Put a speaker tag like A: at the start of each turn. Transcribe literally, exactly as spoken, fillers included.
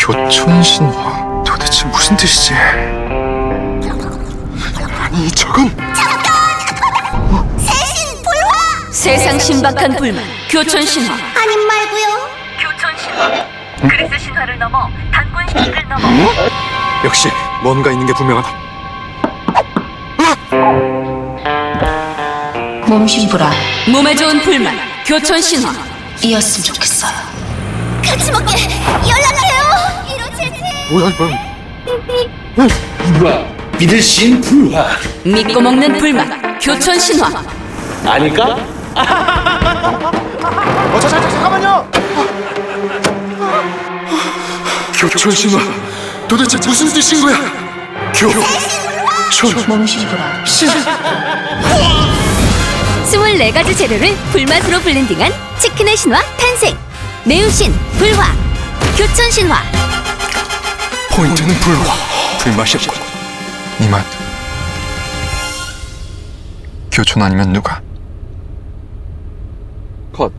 A: 교촌신화 도대체 무슨 뜻이지? 아니 저건
B: 세상 신박한 불만 교촌 신화.
C: 아님 말고요.
B: 교촌 신화. 그리스 신화를 넘어 단군 시기를 넘어.
A: 역시 뭔가 있는 게 분명하다.
D: 몸심부라
B: 몸에 좋은 불만 교촌 신화.
D: 이었으면 좋겠어요.
C: 같이 먹게 연락해요. 이로체체.
A: 뭐야 이건?
E: 불화, 믿을 신 불화
B: 믿고 먹는 불만 교촌 신화.
E: 아닐까?
A: 어, 자, 자, 자, 잠깐만요. 교촌신화 도대체 무슨 뜻인 거야? 교촌
D: 몸심부라
B: 스물네 가지 재료를 불맛으로 블렌딩한 치킨의 신화 탄생. 매운신 불화 교촌 신화.
A: 포인트는 불화 불맛이었군. 이 맛 교촌 아니면 누가?